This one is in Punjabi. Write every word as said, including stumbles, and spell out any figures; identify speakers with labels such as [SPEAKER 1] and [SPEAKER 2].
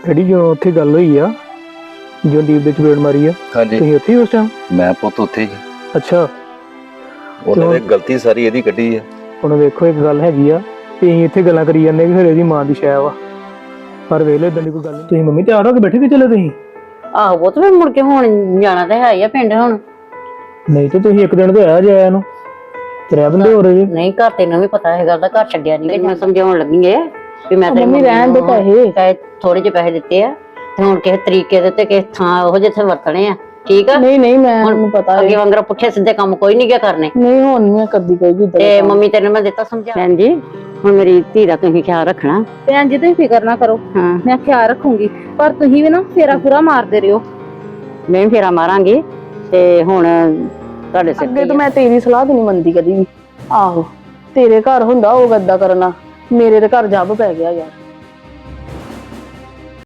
[SPEAKER 1] ਡੈਡੀ ਜੋ ਉੱਥੇ ਗੱਲ ਹੋਈ ਆ, ਜੋ ਦੀਪ ਦੇ ਚਪੇੜ ਮਾਰੀ ਆ,
[SPEAKER 2] ਹਾਂਜੀ
[SPEAKER 1] ਤੁਸੀਂ ਉੱਥੇ ਹੀ ਉਸ ਟਾਈਮ?
[SPEAKER 2] ਮੈਂ ਪੁੱਤ ਉੱਥੇ ਹੀ।
[SPEAKER 1] ਅੱਛਾ,
[SPEAKER 2] ਉਹਨਾਂ ਨੇ ਗਲਤੀ ਸਾਰੀ ਇਹਦੀ ਕੱਢੀ ਆ।
[SPEAKER 1] ਹੁਣ ਵੇਖੋ ਇੱਕ ਗੱਲ ਹੈਗੀ ਆ ਕਿ ਅਸੀਂ ਇੱਥੇ ਗੱਲਾਂ ਕਰੀ ਜਾਂਦੇ ਕਿ ਫਿਰ ਇਹਦੀ ਮਾਂ ਦੀ ਸ਼ਾਇ ਵਾ, ਪਰ ਵੇਖ ਲਓ ਇਦਾਂ ਦੀ ਕੋਈ ਗੱਲ ਨਹੀਂ। ਤੁਸੀਂ ਮੰਮੀ ਤਿਆਰ ਹੋ ਕੇ ਬੈਠੇ ਕਿ ਚਲੇ ਤੁਸੀਂ?
[SPEAKER 3] ਆਹੋ ਪੁੱਤ ਫਿਰ ਮੁੜ ਕੇ ਹੁਣ ਜਾਣਾ ਤਾਂ ਹੈ ਹੀ ਆ ਪਿੰਡ ਹੁਣ।
[SPEAKER 1] ਨਹੀਂ ਤੇ ਤੁਸੀਂ ਇੱਕ ਦਿਨ ਤੇ ਆਇਆ ਜੇ ਆਇਆ ਨੂੰ, ਤੇਰੇ ਬੰਦੇ ਹੋ ਰਹੇ।
[SPEAKER 3] ਨਹੀਂ ਘਰ ਤੈਨੂੰ ਵੀ ਪਤਾ ਹੈ ਗੱਲ ਦਾ, ਘਰ ਛੱਡਿਆ ਨਹੀਂ। ਮੈਂ ਸਮਝਾਉਣ ਲੱਗੀ ਏ ਵੀ ਮੈਂ ਤੇਰੀ
[SPEAKER 4] ਮੰਮੀ ਰਹਿਣ ਦੇ ਪੈਸੇ
[SPEAKER 3] ਪੈਸੇ ਥੋੜੇ ਜਿਹੇ ਪੈਸੇ ਦਿੱਤੇ ਆ ਤੇ ਹੁਣ ਕਿਸੇ ਤਰੀਕੇ ਦੇ ਤੇ ਕਿਸੇ ਥਾਂ ਉਹ ਜਿੱਥੇ ਵਰਤਣੇ ਆ, ਠੀਕ ਆ?
[SPEAKER 4] ਨਹੀਂ ਨਹੀਂ ਮੈਂ ਮੈਨੂੰ ਪਤਾ
[SPEAKER 3] ਅੱਗੇ ਵਾਂਗਰ ਪੁੱਠੇ ਸਿੱਧੇ ਕੰਮ ਕੋਈ ਨਹੀਂ ਗਿਆ ਕਰਨੇ।
[SPEAKER 4] ਨਹੀਂ ਹੁਣ ਨੀ ਮੈਂ ਕਰਦੀ ਕੋਈ ਵੀ।
[SPEAKER 3] ਤੇ ਮੰਮੀ ਤੇਰੇ ਮੈਂ ਦਿੱਤਾ ਸਮਝਾ। ਭੈਣ ਜੀ ਹੁਣ ਮੇਰੀ ਧੀ ਦਾ ਤੁਸੀਂ ਖਿਆਲ ਰੱਖਣਾ।
[SPEAKER 4] ਭੈਣ ਜੀ ਤੁਸੀਂ ਫਿਕਰ ਨਾ ਕਰੋ,
[SPEAKER 3] ਹਾਂ
[SPEAKER 4] ਮੈਂ ਖਿਆਲ ਰੱਖੂੰਗੀ, ਪਰ ਤੁਸੀਂ ਵੀ ਨਾ ਫੇਰਾ ਪੂਰਾ ਮਾਰਦੇ ਰਹੋ।
[SPEAKER 3] ਮੈਂ ਵੀ ਫੇਰਾ ਮਾਰਾਂਗੀ ਤੇ ਹੁਣ ਤੁਹਾਡੇ ਸਿਰ
[SPEAKER 4] ਅੱਗੇ ਤਾਂ ਮੈਂ ਤੇਰੀ ਸਲਾਹ ਤੇ ਨਹੀਂ ਮੰਨਦੀ ਕਦੀ ਵੀ। ਆਹੋ ਤੇਰੇ ਘਰ ਹੁੰਦਾ ਉਹ ਗੱਦਾ ਕਰਨਾ, ਮੇਰੇ ਤੇ ਘਰ ਜੱਬ ਪੈ ਗਿਆ ਯਾਰ।